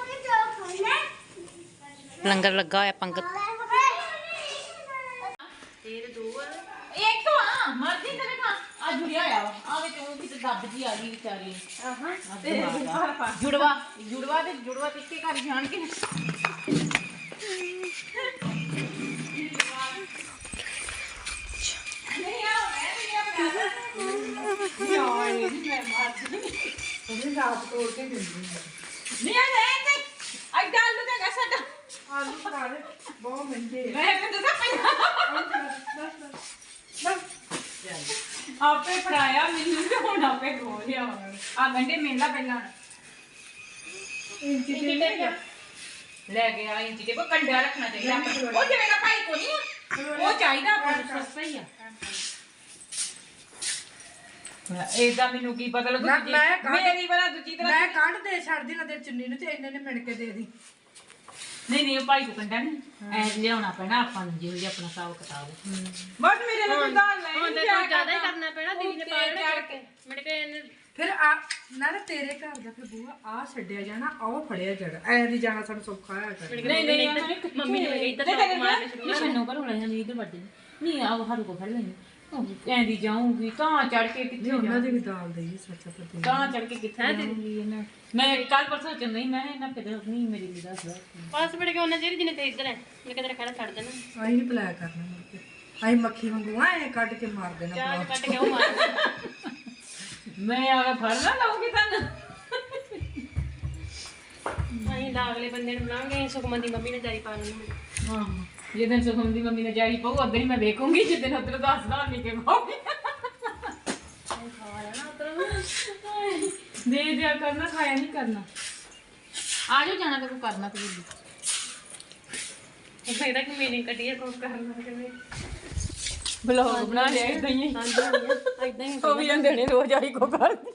ਲੰਗਰ ਲੱਗਾ ਹੋਇਆ ਪੰਗਤ ਇੱਕ ਤੋਂ ਆ ਮਰਦੀ ਤੇ ਵੇਖਾਂ ਆ ਜੁੜਿਆ ਹੋਇਆ ਵਾ ਆ ਵਿੱਚ ਉਹ ਕਿਤੇ ਦੱਬ ਜੀ ਆ ਗਈ ਵਿਚਾਰੀ ਆਹਾਂ ਤੇ ਜੁੜਵਾ ਤੇ ਇੱਕੇ ਘਰ ਜਾਣ ਕੇ ਉਹਨੇ ਰਾਤ ਤੋੜ ਕੇ ਦਿੰਦੀ ਨਹੀਂ ਆ ਲੈ ਤੇ ਅੱਜ ਡਾਲ ਨੂੰ ਹੈਗਾ ਸਾਡਾ ਆਲੂ ਬਣਾ ਦੇ ਬਹੁਤ ਮਹਿੰਗੇ ਮੈਂ ਕਹਿੰਦਾ ਪਹਿਲਾਂ ਆਪੇ ਫੜਾਇਆ ਮੈਨੂੰ ਤੇ ਹੁਣ ਆਪੇ ਖੋ ਲਿਆ ਆ ਗੰਡੇ ਮੇਲਾ ਪਹਿਲਾਂ ਇੰਚੀ ਤੇ ਲੈ ਗਿਆ ਇੰਚੀ ਤੇ ਕੋ ਕੰਡਾ ਰੱਖਣਾ ਚਾਹੀਦਾ ਉਹ ਜਿਵੇਂ ਦਾ ਭਾਈ ਕੋ ਨਹੀਂ ਉਹ ਚਾਹੀਦਾ ਆਪਾਂ ਨੂੰ ਸਸਤਾ ਹੀ ਆ ਇਹਦਾ ਮੈਨੂੰ ਕੀ ਪਤਾ ਲੱਗੂ ਮੇਰੀ ਵਾਲਾ ਦੂਜੀ ਤਰ੍ਹਾਂ ਮੈਂ ਕੱਢ ਦੇ ਛੱਡਦੀ ਨਾ ਤੇ ਚੁੰਨੀ ਨੂੰ ਤੇ ਇੰਨੇ ਨੇ ਮਿਣ ਕੇ ਦੇ ਦੀ ਨਹੀਂ ਉਹ ਭਾਈ ਕੋ ਕੰਡਾ ਨਹੀਂ ਐ ਲਿਆਉਣਾ ਪੈਣਾ ਆਪਾਂ ਨੂੰ ਜਿਹੋ ਜਿਹਾ ਆਪਣਾ ਹਿਸਾਬ ਕਿਤਾਬ ਬਸ ਮੇਰੇ ਨਾਲ ਦਾਲ ਲੈ ਹੁਣ ਤੇ ਤੂੰ ਜ਼ਿਆਦਾ ਹੀ ਕਰਨਾ ਪੈਣਾ ਦੀਦੀ ਨੇ ਪਾ ਲੈਣਾ ਕਰਕੇ ਮੇਰੇ ਕੇ ਇਹਨੇ ਫਿਰ ਆ ਨਾਲੇ ਤੇਰੇ ਘਰ ਦਾ ਫਿਰ ਬੂਆ ਆ ਛੱਡਿਆ ਜਾਣਾ ਆਹ ਫੜਿਆ ਜਾਣਾ ਐ ਨਹੀਂ ਜਾਣਾ ਸਾਨੂੰ ਸੌਖਾ ਹੋਇਆ ਕਰ ਨਹੀਂ ਮੰਮੀ ਨੇ ਇੱਧਰ ਟੱਕ ਮਾਰਨੇ ਸ਼ੁਰੂ ਨਹੀਂ ਛੰਨੋ ਪਰ ਹੋਣਾ ਨਹੀਂ ਇਧਰ ਵੱਡੇ ਨਹੀਂ ਆ ਹਰੂ ਕੋ ਫੜ ਲੈਣੀ ਐਂਦੀ ਜਾਊਂਗੀ ਤਾਂ ਚੜ ਕੇ ਕਿੱਥੇ ਉਹਨਾਂ ਦੀ ਵੀ ਦਾਲ ਦੇਈ ਸੱਚਾ ਪਤੀ ਤਾਂ ਚੜ ਕੇ ਕਿੱਥੇ ਜਾਊਂਗੀ ਇਹਨਾਂ ਮੈਂ ਕੱਲ ਪਰਸੋਂ ਚ ਨਹੀਂ ਮੈਂ ਇਹਨਾਂ ਫਿਰ ਨਹੀਂ ਮੇਰੀ ਵੀ ਦੱਸਦਾ ਬਸ ਮੇਰੇ ਕੇ ਉਹਨਾਂ ਜਿਹੜੀ ਜਿਹਨੇ ਤੇ ਇੱਧਰ ਹੈ ਮੈਂ ਕਿਧਰ ਖੜਾ ਛੱਡ ਦੇਣਾ ਆਈ ਨਹੀਂ ਪਲਾਇਆ ਕਰਨਾ ਮੁੜ ਕੇ ਆਈ ਮੱਖੀ ਵਾਂਗੂ ਐ ਕੱਢ ਕੇ ਮਾਰ ਦੇਣਾ ਚਾਹ ਕੱਟ ਕੇ ਉਹ ਮਾਰ ਮੈਂ ਆ ਕੇ ਫੜ ਨਾ ਲਵਾਂਗੀ ਤੁਹਾਨੂੰ ਅਸੀਂ ਤਾਂ ਅਗਲੇ ਬੰਦੇ ਨੂੰ ਬੁਲਾਵਾਂਗੇ ਸੁਖਮਨ ਦੀ ਮੰਮੀ ਨੇ ਜਾਈ ਪਾ ਲੈਣੀ ਹਾਂ ਜਿੱਦਣ ਸੁਖਮ ਦੀ ਮੰਮੀ ਨੇ ਜਾਈ ਪਾਉ ਉਦੋਂ ਹੀ ਮੈਂ ਵੇਖੂੰਗੀ ਜਿੱਦਣ ਉਧਰ ਦੱਸਦਾ ਨਹੀਂ ਕਿ ਪਾਉਗੀ ਦੇ ਦਿਆ ਕਰਨਾ ਖਾਇਆ ਨਹੀਂ ਕਰਨਾ ਆ ਜਾਓ ਜਾਣਾ ਤੇ ਕੋ ਕਰਨਾ ਤੇ ਇਹ ਕਹਿੰਦਾ ਕਿ ਮੇਰੀ ਕੱਢੀਏ ਕੋ ਕਰਨਾ ਕਿਵੇਂ ਬਲੌਗ ਬਣਾ ਲਿਆ ਇਦਾਂ ਹੀ ਇਦਾਂ ਹੀ ਉਹ ਵੀ ਜਾਂਦੇ ਨੇ ਰੋਜ਼ ਆਈ ਕੋ ਕਰਦੀ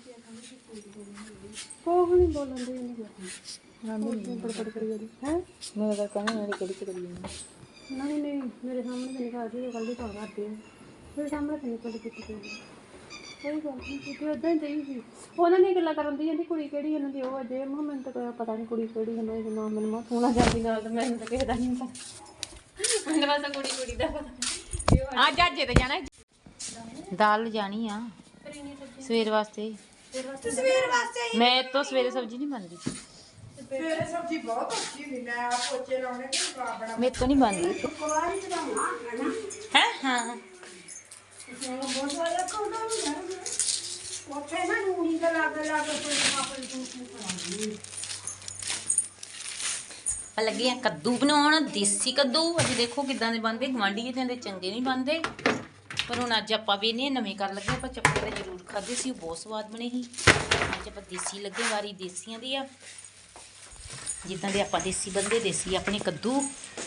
ਕੋਹ ਨਹੀਂ ਬੋਲਣ ਦੇ ਨਹੀਂ ਬੜਬੜ ਕਰੀ ਜਾਂਦੀ ਹੈ ਮੈਂ ਤਾਂ ਕਹਿੰਦਾ ਮੇਰੇ ਕਿਹੜੀ ਕਰੀ ਨਹੀਂ ਨਹੀਂ ਮੇਰੇ ਸਾਹਮਣੇ ਤਾਂ ਨਿਕਾਲ ਦੀ ਕੱਲ ਦੀ ਤਾਂ ਕਰਦੀ ਹੈ ਮੇਰੇ ਸਾਹਮਣੇ ਤਾਂ ਨਿਕਲ ਕੀਤੀ ਕੋਈ ਗੱਲ ਨਹੀਂ ਕੀਤੀ ਉਦਾਂ ਹੀ ਦੇਈ ਸੀ ਉਹਨਾਂ ਨੇ ਗੱਲਾਂ ਕਰਨ ਦੀ ਜਾਂਦੀ ਕੁੜੀ ਕਿਹੜੀ ਉਹਨਾਂ ਦੀ ਉਹ ਅਜੇ ਮੈਨੂੰ ਤਾਂ ਕੋਈ ਪਤਾ ਨਹੀਂ ਕੁੜੀ ਕਿਹੜੀ ਉਹਨਾਂ ਦਾ ਨਾਮ ਮੈਨੂੰ ਮਾ ਸੋਣਾ ਜਾਂਦੀ ਨਾਲ ਤਾਂ ਮੈਨੂੰ ਤਾਂ ਕਿਸੇ ਦਾ ਨਹੀਂ ਪਤਾ ਮੈਨੂੰ ਬਸ ਕੁੜੀ ਦਾ ਪਤਾ ਆ ਜਾਜੇ ਤੇ ਜਾਣਾ ਦਾਲ ਜਾਣੀ ਆ ਸਵੇਰ ਵਾਸਤੇ ਤਸਵੀਰ ਵਾਸਤੇ ਮੈਂ ਤਾਂ ਸਵੇਰੇ ਸਬਜ਼ੀ ਨਹੀਂ ਬਣਦੀ ਤੇਰੇ ਸਬਜ਼ੀ ਬਹੁਤ ਅੱਛੀ ਹੁੰਦੀ ਮੈਂ ਆ ਪੋਚੇ ਲਾਉਣੇ ਕਿ ਬਣਾ ਮੇਰੇ ਤੋਂ ਨਹੀਂ ਬਣਦੀ ਹੈ ਹਾਂ ਲੱਗੇ ਆ ਕੱਦੂ ਬਣਾਉਣ ਦੇਸੀ ਕੱਦੂ ਅੱਜ ਦੇਖੋ ਕਿਦਾਂ ਦੇ ਬਣਦੇ ਗਵਾਂਢੀ ਦੇ ਚੰਗੇ ਨਹੀਂ ਬਣਦੇ ਪਰ ਹੁਣ ਅੱਜ ਆਪਾਂ ਵੀ ਇਹਨੇ ਨਵੇਂ ਕਰ ਲੱਗੇ ਆਪਾਂ ਚੱਪੇ ਤਾਂ ਜ਼ਰੂਰ ਖਾਦੇ ਸੀ ਉਹ ਬਹੁਤ ਸਵਾਦ ਬਣੇ ਸੀ ਅੱਜ ਆਪਾਂ ਦੇਸੀ ਲੱਗੇ ਵਾਰੀ ਦੇਸੀਆਂ ਦੀ ਆ ਜਿੱਦਾਂ ਦੇ ਆਪਾਂ ਦੇਸੀ ਬੰਦੇ ਦੇਸੀ ਆਪਣੇ ਕੱਦੂ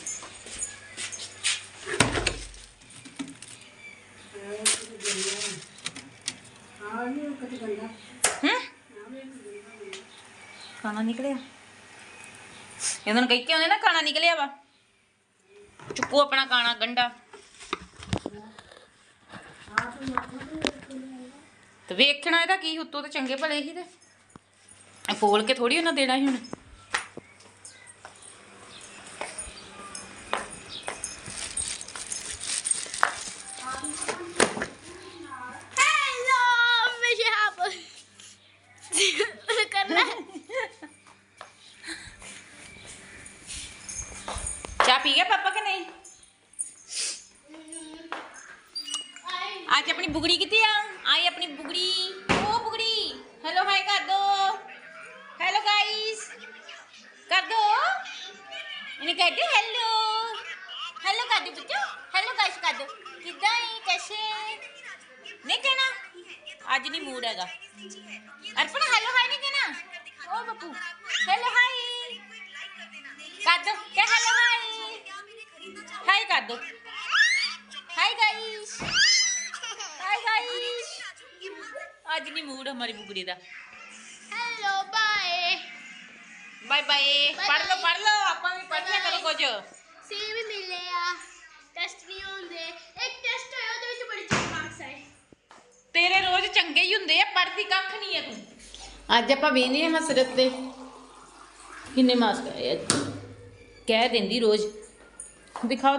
ਖਾਣਾ ਨਿਕਲਿਆ ਇਹਨਾਂ ਨੂੰ ਕਹਿ ਕੇ ਆਉਂਦੇ ਨਾ ਖਾਣਾ ਨਿਕਲਿਆ ਵਾ ਚੁੱਕੋ ਆਪਣਾ ਖਾਣਾ ਗੰਡਾ ਤੇ ਵੇਖਣਾ ਇਹਦਾ ਕੀ ਉੱਤੋਂ ਤੇ ਚੰਗੇ ਭਲੇ ਹੀ ਤੇ ਇਹ ਫੋਲ ਕੇ ਥੋੜੀ ਉਹਨਾਂ ਦੇਣਾ ਸੀ ਹੁਣ ਚਾਹ ਪੀ ਗਿਆ ਪਾਪਾ ਕਿ ਨਹੀਂ ਅੱਜ ਆਪਣੀ ਬੁਗੜੀ ਕਿੱਥੇ ਆ ਆਈ ਆਪਣੀ ਬੁਗੜੀ ਉਹ ਬੁਗੜੀ ਹੈਲੋ ਹਾਈ ਕਰ ਦੋ ਹੈਲੋ ਗਾਇਸ ਕਰ ਦੋ ਇਹਨੇ कहते हेलो हेलो कर दो बच्चों हेलो गाइस कर दो किदा है कैसे नहीं कहना आज नहीं मूड हैगा अर्पण हेलो हाय नहीं कहना ओ बप्पू हेलो हाय कर दो क्या हेलो हाय हाय कर दो हाय गाइस आज नहीं मूड हमारी बुगड़ी दा हेलो बाय बाय बाय पढ़ लो ਆਪਾਂ ਵੀ ਪੜ੍ਹਿਆ ਕਰੋ ਕੁਝ ਸੀ ਵੀ ਮਿਲੇ ਆ ਟੈਸਟ ਨਹੀਂ ਹੁੰਦੇ ਇੱਕ ਟੈਸਟ ਹੋਇਆ ਉਹਦੇ ਵਿੱਚ ਬੜੇ ਚੰਗੇ ਮਾਰਕਸ ਆਏ ਤੇਰੇ ਰੋਜ਼ ਚੰਗੇ ਹੀ ਹੁੰਦੇ ਆ ਪੜ੍ਹਦੀ ਕੱਖ ਨਹੀਂ ਆ ਤੂੰ ਅੱਜ ਆਪਾਂ ਵੇਨੇ ਆ ਹਸਰਤ ਤੇ ਕਿੰਨੇ ਮਾਰਕਸ ਆਏ ਅੱਜ ਕਹਿ ਦਿੰਦੀ ਰੋਜ਼ ਦਿਖਾਓ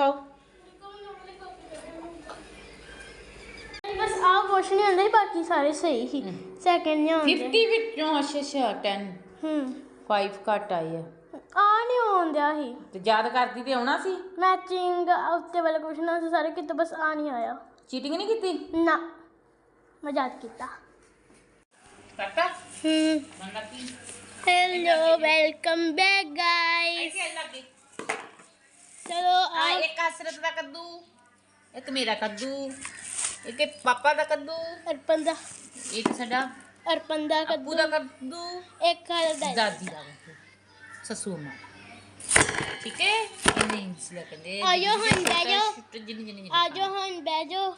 ਬਸ ਆਹ ਕੁਛ ਨਹੀਂ ਹੁੰਦਾ ਬਾਕੀ ਸਾਰੇ ਸਹੀ ਸੀ ਸੈਕਿੰਡ ਨਹੀਂ ਹੁੰਦੇ 50 ਵਿੱਚੋਂ ਅੱਛਾ 10 5 ਘੱਟ ਆਏ ਆ ਆ ਨਹੀਂ ਹੁੰਦਿਆ ਸੀ ਤੇ ਯਾਦ ਕਰਦੀ ਤੇ ਆਉਣਾ ਸੀ ਮੈਚਿੰਗ ਉੱਤੇ ਵਾਲਾ ਕੁਐਸਚਨ ਆਨਸਰ ਸਾਰੇ ਕਿਤੇ ਬਸ ਆ ਨਹੀਂ ਆਇਆ ਚੀਟਿੰਗ ਨਹੀਂ ਕੀਤੀ ਨਾ ਮੈਂ ਯਾਦ ਕੀਤਾ ਕਰਤਾ ਮੰਗਾ ਕੀ ਹੈਲੋ ਵੈਲਕਮ ਬੈਕ ਗਾਇਸ ਐਸੇ ਲੱਗੇ ਚਲੋ ਆ ਇੱਕ ਹਸਰਤ ਦਾ ਕੱਦੂ ਇੱਕ ਮੇਰਾ ਕੱਦੂ ਇੱਕ ਪਾਪਾ ਦਾ ਕੱਦੂ ਅਰਪਨ ਦਾ ਇੱਕ ਸਾਡਾ ਅਰਪਨ ਦਾ ਅੱਬੂ ਦਾ ਕੱਦੂ ਇੱਕ ਖਾਲਦਾ ਦਾਦੀ ਦਾ ਕੱਦੂ ਸਸੂ ਮਾਂ ਠੀਕ ਹੈ ਇਹਨੇ ਇੰਸ ਲੱਗਦੇ ਆਜੋ ਹੁਣ ਬਹਿ ਜਾਓ ਜਿੰਨੀ ਆਜੋ ਹੁਣ ਬਹਿ ਜਾਓ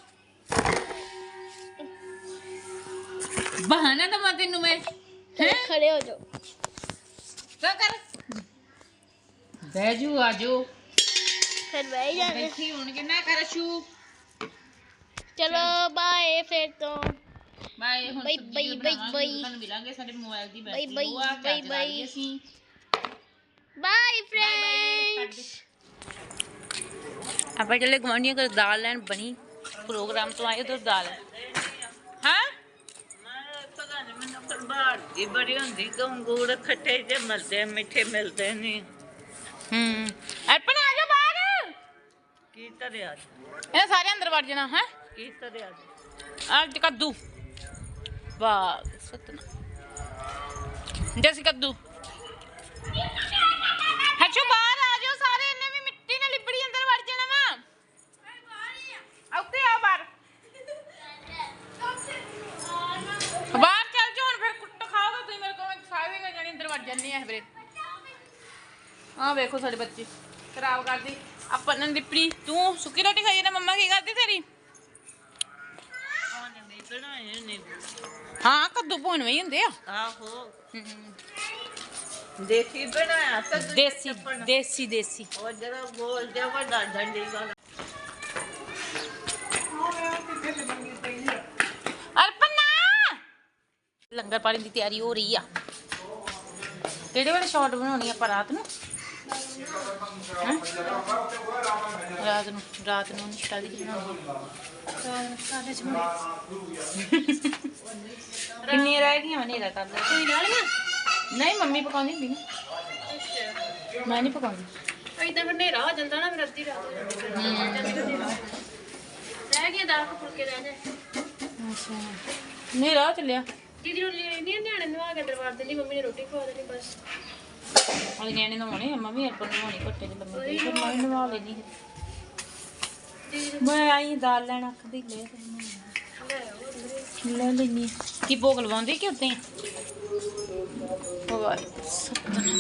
ਬਹਾਨਾ ਤਾਂ ਮੈਂ ਤੈਨੂੰ ਮੈਂ ਖੜੇ ਹੋ ਜਾਓ ਕਰ ਬੈਜੂ ਆਜੋ ਫਿਰ ਬਹਿ ਜਾਗੇ ਬੈਠੀ ਹੁਣ ਕਿੰਨਾ ਕਰਸ਼ੂ ਚਲੋ ਬਾਏ ਫਿਰ ਤੋਂ ਬਾਏ ਹੁਣ ਬਾਈ, ਸਬਜ਼ੀ ਬਾਈ, ਬਣਾਵਾਂਗੇ, ਬਾਈ। ਤੁਹਾਨੂੰ ਮਿਲਾਂਗੇ ਸਾਡੇ ਮੋਬਾਈਲ ਦੀ ਬਾਈ, ਬੈਟਰੀ ਬਾਈ, ਉਹ ਆ ਬਾਈ, ਚਾਰਜ ਲਾ ਬਾਈ। ਲਈ ਅਸੀਂ ਬਾਏ ਬਾਏ ਫਰੈਂਡਸ ਆਪਾਂ ਚੱਲੇ ਗਵਾਂਢੀਆਂ ਕੋਲ ਦਾਲ ਲੈਣ ਬਣੀ ਪ੍ਰੋਗਰਾਮ ਤੋਂ ਆਏ ਉਧਰ ਦਾਲ ਹਾਂ ਦੀ ਬੜੀ ਹੁੰਦੀ ਗੰਗੂੜ ਖੱਟੇ ਜੇ ਮਿਲਦੇ ਮਿੱਠੇ ਮਿਲਦੇ ਨਹੀਂ ਅਰਪਣ ਆ ਜਾ ਬਾਹਰ ਕੀ ਤਰਿਆ ਇਹ ਸਾਰੇ ਅੰਦਰ ਵੜ ਜਾਣਾ ਹੈ ਕੀ ਤਰਿਆ ਅੱਜ ਕੱਦੂ ਵਾਹ ਸਤਨਾ ਜੈਸੀ ਕੱਦੂ ਹੱਛੂ ਬਾਹਰ ਆ ਜਾਓ ਸਾਰੇ ਇਹਨੇ ਵੀ ਮਿੱਟੀ ਨਾਲ ਲਿਬੜੀ ਅੰਦਰ ਵੜ ਜਾਣਾ ਵਾ ਉੱਤੇ ਆ ਬਾਹਰ ਬਾਹਰ ਚੱਲ ਜਾਓ ਹੁਣ ਫਿਰ ਕੁੱਟ ਖਾਓਗੇ ਤੁਸੀਂ ਮੇਰੇ ਕੋਲ ਸਾਰੇ ਜਣੇ ਅੰਦਰ ਵੜ ਜਾਂਦੇ ਆ ਵੀਰੇ ਆ ਵੇਖੋ ਸਾਡੇ ਬੱਚੇ ਖਰਾਬ ਕਰਦੀ ਆਪਾਂ ਨੇ ਲਿਪੜੀ ਤੂੰ ਸੁੱਕੀ ਰੋਟੀ ਖਾਈ ਨਾ ਮੰਮਾ ਕੀ ਕਰਦੀ ਤੇਰੀ ਬਣਾਏ ਨੇ ਹਾਂ ਕੱਦੂ ਭੁੰਨਵੇਂ ਹੀ ਹੁੰਦੇ ਆ ਆਹੋ ਦੇਖੀ ਬਣਾਇਆ ਤਾਂ ਦੇਸੀ ਦੇਸੀ ਦੇਸੀ ਉਹ ਜਿਹੜਾ ਗੋਲ ਜਿਹਾ ਵੱਡਾ ਡੰਡੀ ਵਾਲਾ ਅਰਪਨਾ ਲੰਗਰ ਪਾਣੀ ਦੀ ਤਿਆਰੀ ਹੋ ਰਹੀ ਆ ਕਿਹੜੇ ਵੇਲੇ ਸ਼ਾਟ ਬਣਾਉਣੀ ਆਪਾਂ ਰਾਤ ਨੂੰ ਹੈਂ? ਰਾਤ ਨੂੰ ਸ਼ਾਦੀ ਚ ਬਣਾਉਣੀ ਸਾਡੇ ਚ ਬਣੇ ਕਿੰਨੀ ਰਹਿ ਗਈਆਂ ਹਨੇਰਾ ਕਰ ਲੈ ਕੋਈ ਨਾਲ ਨਹੀਂ ਮੰਮੀ ਪਕਾਉਂਦੀ ਹੁੰਦੀ ਨਾ ਮੈਂ ਨਹੀਂ ਪਕਾਉਂਦੀ ਇਦਾਂ ਫਿਰ ਹਨੇਰਾ ਹੋ ਜਾਂਦਾ ਨਾ ਫਿਰ ਅੱਧੀ ਰਾਤ ਹੋ ਜਾਂਦੀ ਰਹਿ ਗਿਆ ਦਾਲ ਫੁਲਕੇ ਰਹਿ ਜਾਏ ਅੱਛਾ ਹਨੇਰਾ ਚੱਲਿਆ ਦੀਦੀ ਨੂੰ ਲੈਣੀ ਨਿਆਣੇ ਨੂੰ ਆ ਕੇ ਦਰਬਾਰ ਦੇ ਲਈ ਮੰਮੀ ਨੇ ਰੋਟੀ ਖਵਾ ਦੇਣੀ ਬਸ ਵਾਲੇ ਨਿਆਣੇ ਨਵਾਉਣੇ ਮੰਮੀ ਅਰਪਨ ਨਵਾਉਣੀ ਘੱਟੇ ਦੇ ਲੰਮੇ ਪਈ ਫਿਰ ਮੈਂ ਨਵਾ ਲੈਣੀ ਮੈਂ ਆਈ ਦਾਲ ਲੈਣ ਆਖਦੀ ਲੈ ਲੈਣੀ ਕੀ ਭੋਗ ਲਵਾਉਂਦੇ ਕਿ ਉੱਤੇ ਵਾਹ ਸਤਨਾਮ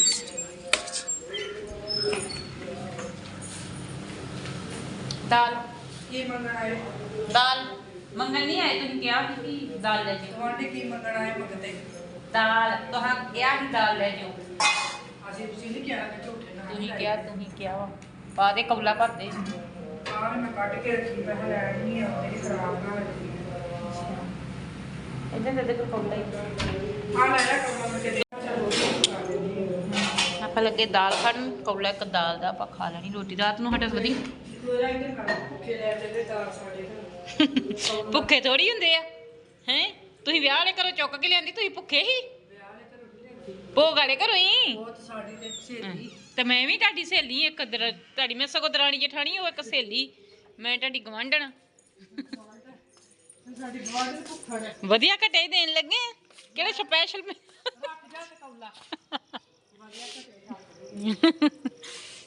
ਦਾਲ ਕੀ ਮੰਗਣਾ ਹੈ ਦਾਲ ਮੰਗਣ ਨਹੀਂ ਆਏ ਤੁਸੀਂ ਕਿਹਾ ਸੀ ਕਿ ਦਾਲ ਲੈ ਜਾਓ ਤੁਹਾਡੇ ਕੀ ਮੰਗਣਾ ਹੈ ਮੰਗਤੇ ਦਾਲ ਤੁਹਾਂ ਕਿਹਾ ਸੀ ਦਾਲ ਲੈ ਜਾਓ ਅਸੀਂ ਤੁਸੀਂ ਨਹੀਂ ਕਿਹਾ ਕਿ ਝੂਠੇ ਨਾ ਤੁਸੀਂ ਕਿਹਾ ਵਾ ਪਾ ਦੇ ਕੌਲਾ ਭਰ ਦੇ ਆਹ ਮੈਂ ਕੱਢ ਕੇ ਰੱਖੀ ਮੈਂ ਲੈਣੀ ਆ ਮੇਰੀ ਖਰਾਬ ਨਾ ਹੋਈ ਇਦਾਂ ਦੇ ਕੌਲਾ ਹੀ ਆ ਲੈ ਲੈ ਕੰਮ ਤੇ ਆਪਾਂ ਲੱਗੇ ਦਾਲ ਖਾਣ ਕੌਲਾ ਇੱਕ ਦਾਲ ਦਾ ਆਪਾਂ ਖਾ ਲੈਣੀ ਰੋਟੀ ਰਾਤ ਨੂੰ ਸਾਡਾ ਵਧੀ ਕੋਰਾ ਇੱਧਰ ਕਰ ਭੁੱਖੇ ਲੈ ਤੇ ਦਾਲ ਸਾਡੇ ਘਰ ਭੁੱਖੇ ਥੋੜੀ ਹੁੰਦੇ ਆ ਹੈ ਤੁਸੀਂ ਵਿਆਹ ਵਾਲੇ ਘਰੋਂ ਚੁੱਕ ਕੇ ਲਿਆਂਦੀ ਤੁਸੀਂ ਭੁੱਖੇ ਹੀ ਭੋਗ ਵਾਲੇ ਘਰੋਂ ਹੀ ਬਹੁਤ ਸਾਡੀ ਤੇ ਸਹੇਲੀ ਤੇ ਮੈਂ ਵੀ ਤੁਹਾਡੀ ਸਹੇਲੀ ਇੱਕ ਤੁਹਾਡੀ ਮੈਂ ਸਗੋਂ ਦਰਾਣੀ ਜਠਾਣੀ ਉਹ ਇੱਕ ਸਹੇਲੀ ਮੈਂ ਤੁਹਾਡੀ ਗਵਾਂਢਣ ਸਾਡੀ ਗਵਾਂਢ ਨੂੰ ਭੁੱਖਾ ਨੇ ਵਧੀਆ ਘਟੇ ਦੇਣ ਲੱਗੇ ਆ। ਕਿਹੜਾ ਸਪੈਸ਼ਲ